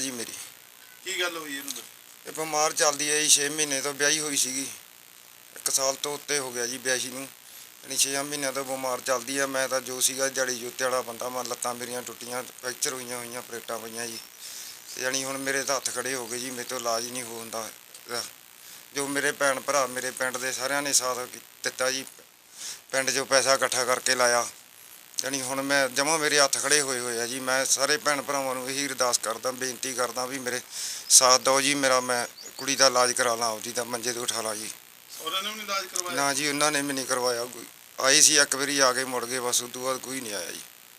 जी मेरी। ਕੀ ਗੱਲ ਹੋਈ ਇਹਨੂੰ? ये बीमार चलती है जी, 6 महीने तो ब्याही हुई सी, 1 साल तो उत्ते हो गया जी ब्याही नूं, यानी 6 महीनों तो बीमार चलती है। मैं तो जो सीगा दिहाड़ी जुत्ते वाला बंदा, मैं लत्तां मेरियां टुट्टियां, फ्रैक्चर हुई प्लेटां पईयां जी, यानी हुण मेरे तो हत्थ खड़े हो गए जी, मेरे तो इलाज ही नहीं होंदा। जो मेरे भैन भरा मेरे पिंड दे सारिਆਂ ने साथ दिता जी, पिंड चों पैसा इकट्ठा करके लाया, यानी हुण मैं जमा मेरे हत्थ खड़े होए होए आ जी। मैं सारे भैन भरावां नूं यही अरदास करदा, बेनती करदा भी मेरे साथ दो जी, मेरा मैं कुड़ी दा इलाज करा ਲਾਂ आपदी दा, मंजे तो उठा ਲਾਂ जी। ਉਹਨਾਂ ਨੇ ਵੀ ਨੀ ਇਲਾਜ ਕਰਵਾਇਆ? ना जी, उन्होंने भी नहीं करवाया। कोई आई सी एक बारी, आ के मुड़ गए, बस उस तो बाद कोई नहीं आया जी।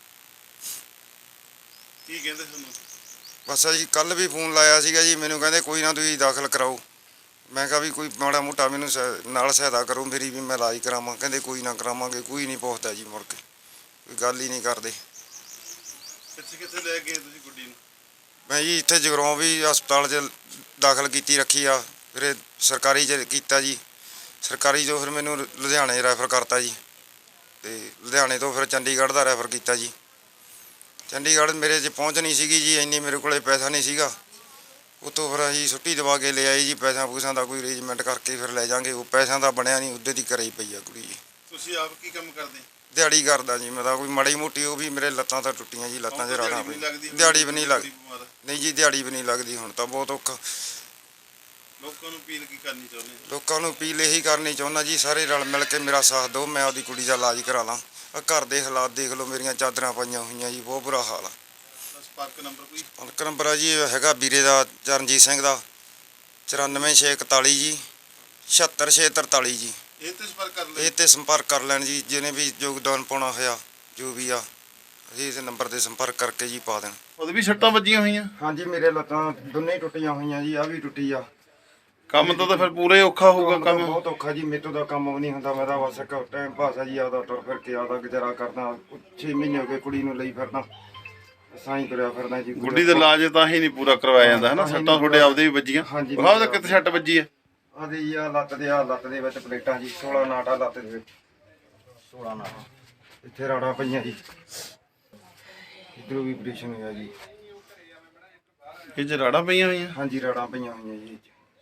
ਕੀ ਕਹਿੰਦੇ ਤੁਹਾਨੂੰ? बस जी कल भी फोन लाया सीगा जी, मैनू कहते कोई ना तुसीं दाखिल कराओ। मैं कहा भी कोई माड़ा मोटा मैनू नाल सहायता करो मेरी, भी मैं इलाज करावां। कहते कोई ना करावांगे, कोई नहीं पुछदा जी, मुड़ के कोई गल ही नहीं करते। ਕਿੱਥੇ ਕਿੱਥੇ ਲੈ ਗਏ ਤੁਸੀਂ ਗੁੱਡੀ ਨੂੰ? मैं जी इत्थे जगराओं भी हस्पताल च दाखिल की रखी आ, फिर सरकारी च कीता जी, सरकारी जो फिर मैनू लुधियाने रैफर करता जी, तो लुधियाने तो फिर चंडीगढ़ का रैफर किया जी। चंडीगढ़ मेरे च पहुँच नहीं सी जी, इन्नी मेरे को पैसा नहीं सीगा। उत्तों फिर असीं छुट्टी दवा के ले आए जी, पैसा पूसा का कोई अरेंजमेंट करके फिर लै जाएंगे। वो पैसा का बनया नहीं, उद्धर की घरे ही पई आ कुड़ी जी। ਤੁਸੀਂ ਆਪ ਕੀ ਕੰਮ ਕਰਦੇ? दिहाड़ी करदा जी मैं तो, कोई माड़ी मोटी वो भी मेरे लत्तां तो टुट्टियां जी, लत्तां च राड़ां पईयां। दिहाड़ी भी नहीं लगदी, नहीं जी दिहाड़ी भी नहीं लगदी। हुण तां बहुत औखा। ਲੋਕਾਂ ਨੂੰ ਅਪੀਲ ਕੀ ਕਰਨੀ ਚਾਹੁੰਦੇ? लोगों को अपील यही करनी चाहुंदा जी, सारे रल मिल के मेरा साथ दो, मैं आपदी कुड़ी का इलाज करा ਲਾਂ। घर के हालात देख लो, मेरियां चादरां पाईयां होईयां जी, बहुत बुरा हाल आ। ਸੰਪਰਕ ਨੰਬਰ ਕੋਈ? संपर्क नंबर है जी हैगा वीरे का, चरणजीत सिंह का, 94 641 जी 76 643 जी। ਇਹ ਤੇ ਸੰਪਰਕ ਕਰ ਲੈ। ਇਹ ਤੇ ਸੰਪਰਕ ਕਰ ਲੈਣ ਜੀ, ਜਿਹਨੇ ਵੀ ਯੋਗਦਾਨ ਪਾਉਣਾ ਹੋਇਆ ਜੋ ਵੀ ਆ, ਅਸੀਂ ਇਸ ਨੰਬਰ ਤੇ ਸੰਪਰਕ ਕਰਕੇ ਜੀ ਪਾ ਦੇਣ। ਉਹਦੇ ਵੀ ਸੱਟਾਂ ਵੱਜੀਆਂ ਹੋਈਆਂ? ਹਾਂਜੀ, ਮੇਰੇ ਲੱਤਾਂ ਦੋਨੇ ਟੁੱਟੀਆਂ ਹੋਈਆਂ ਜੀ, ਆ ਵੀ ਟੁੱਟੀ ਆ। ਕੰਮ ਤਾਂ ਫਿਰ ਪੂਰਾ ਹੀ ਔਖਾ ਹੋਊਗਾ। ਕੰਮ ਬਹੁਤ ਔਖਾ ਜੀ, ਮੇਰੇ ਤੋਂ ਦਾ ਕੰਮ ਵੀ ਨਹੀਂ ਹੁੰਦਾ। ਮੈਂ ਤਾਂ ਬਸ ਇੱਕ ਟਾਈਮ ਪਾਸ ਆ ਜੀ, ਆਦਾ ਤੁਰ ਫਿਰ ਕੇ ਆਦਾ ਗੁਜ਼ਾਰਾ ਕਰਦਾ। 6 ਮਹੀਨੇ ਹੋ ਗਏ ਕੁੜੀ ਨੂੰ ਲਈ ਫਿਰਦਾ, ਸਾਈਂ ਤੁਰਿਆ ਫਿਰਦਾ ਜੀ। ਗੁੱਡੀ ਦਾ ਇਲਾਜ ਤਾਂ ਹੀ ਨਹੀਂ ਪੂਰਾ ਕਰਵਾਇਆ ਜਾਂਦਾ ਹੈ ਨਾ। ਸੱਟਾਂ ਤੁਹਾਡੇ ਆਪਦੇ ਵੀ ਵੱਜੀਆਂ? ਹਾਂਜੀ, ਆਹ ਤਾਂ ਕਿੱਥੇ ਸੱਟ ਵੱਜੀ ਆ? ਆਦੇ ਜੀ ਆ ਲੱਤ ਦੇ ਵਿੱਚ ਪਲੇਟਾਂ ਜੀ, 16 ਨਾਟਾ ਲੱਤ ਦੇ ਵਿੱਚ, 16 ਨਾਟਾ ਇੱਥੇ ਰਾੜਾਂ ਪਈਆਂ ਜੀ, ਇਧਰੋਂ ਵੀ ਆਪਰੇਸ਼ਨ ਹੋਇਆ ਜੀ। ਇਹ ਚ ਰਾੜਾਂ ਪਈਆਂ ਹੋਈਆਂ? ਹਾਂਜੀ, ਰਾੜਾਂ ਪਈਆਂ ਹੋਈਆਂ ਜੀ।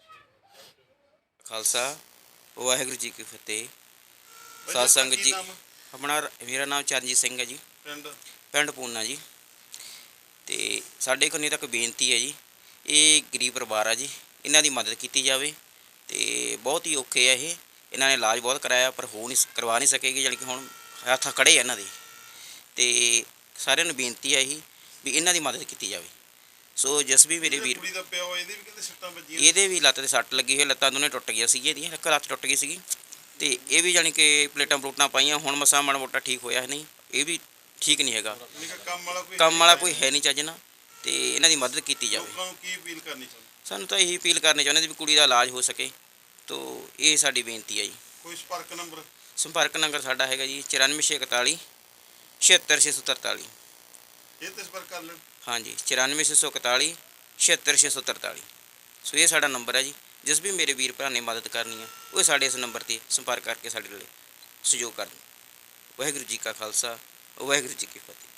ਖਾਲਸਾ ਵਾਹਿਗੁਰੂ ਜੀ ਕੀ ਫਤਿਹ। ਸਾਧ ਸੰਗਤ ਜੀ, ਆਪਣਾ ਮੇਰਾ ਨਾਮ ਚਰਨਜੀਤ ਸਿੰਘ ਹੈ ਜੀ, ਪਿੰਡ ਪੂਨਾ ਜੀ। ਤੇ ਸਾਡੇ ਕੋਲ ਤੱਕ ਬੇਨਤੀ ਹੈ ਜੀ, ਇਹ ਗਰੀਬ ਪਰਿਵਾਰ ਆ ਜੀ, ਇਹਨਾਂ ਦੀ ਮਦਦ ਕੀਤੀ ਜਾਵੇ। ਤੇ ਬਹੁਤ ਹੀ ਔਖੇ ਆ ਇਹ, ਇਹਨਾਂ ਨੇ ਇਲਾਜ ਬਹੁਤ ਕਰਾਇਆ ਪਰ ਕਰਵਾ ਨਹੀਂ ਸਕੇਗੀ, ਜਾਣੀ ਕਿ ਹੁਣ ਹੱਥ ਖੜੇ ਆ ਇਹਨਾਂ ਦੇ। ਤੇ ਸਾਰਿਆਂ ਨੂੰ ਬੇਨਤੀ ਹੈ ਇਹੀ ਵੀ ਇਹਨਾਂ ਦੀ ਮਦਦ ਕੀਤੀ ਜਾਵੇ। ਸੋ ਜਿਸ ਵੀ ਮੇਰੇ ਵੀਰ, ਇਹਦੇ ਵੀ ਲੱਤ 'ਤੇ ਸੱਟ ਲੱਗੀ ਹੋਈ, ਲੱਤਾਂ ਦੋਨੇ ਟੁੱਟ ਗਈਆਂ ਸੀਗੀਆਂ ਇਹਦੀਆਂ, ਇੱਕ ਲੱਤ ਟੁੱਟ ਗਈ ਸੀਗੀ। ਤੇ ਇਹ ਵੀ ਜਾਣੀ ਕਿ ਪਲੇਟਾਂ ਪਲੂਟਾਂ ਪਾਈਆਂ, ਹੁਣ ਮਸਾਂ ਮਾੜਾ ਮੋਟਾ ਠੀਕ ਹੋਇਆ ਨਹੀਂ, ਇਹ ਵੀ ਠੀਕ ਨਹੀਂ ਹੈਗਾ। ਕੰਮ ਵਾਲਾ ਕੋਈ ਹੈ ਨਹੀਂ ਚੱਜ ਨਾਲ, ਤੇ ਇਹਨਾਂ ਦੀ ਮਦਦ ਕੀਤੀ ਜਾਵੇ। ਸਾਨੂੰ ਤਾਂ ਇਹੀ ਅਪੀਲ ਕਰਨੀ ਚਾਹੁੰਦੇ ਵੀ ਕੁੜੀ ਦਾ ਇਲਾਜ ਹੋ ਸਕੇ, ਤੋ ਇਹ ਸਾਡੀ ਬੇਨਤੀ ਹੈ ਜੀ। ਕੋਈ ਸੰਪਰਕ ਨੰਬਰ? ਸੰਪਰਕ ਨੰਬਰ ਸਾਡਾ ਹੈਗਾ ਜੀ 94 641 76 643। ਇਹ ਤੇ ਸੰਪਰਕ ਕਰ ਲੈਣ। ਹਾਂਜੀ, 94 641 76 643। ਸੋ ਇਹ ਸਾਡਾ ਨੰਬਰ ਹੈ ਜੀ। ਜਿਸ ਵੀ ਮੇਰੇ ਵੀਰ ਭਰਾ ਨੇ ਮਦਦ ਕਰਨੀ ਹੈ ਉਹ ਸਾਡੇ ਇਸ ਨੰਬਰ 'ਤੇ ਸੰਪਰਕ ਕਰਕੇ ਸਾਡੇ ਲਈ ਸਹਿਯੋਗ ਕਰਨ। ਵਾਹਿਗੁਰੂ ਜੀ ਕਾ ਖਾਲਸਾ, ਵਾਹਿਗੁਰੂ ਜੀ ਕੀ ਫਤਿਹ।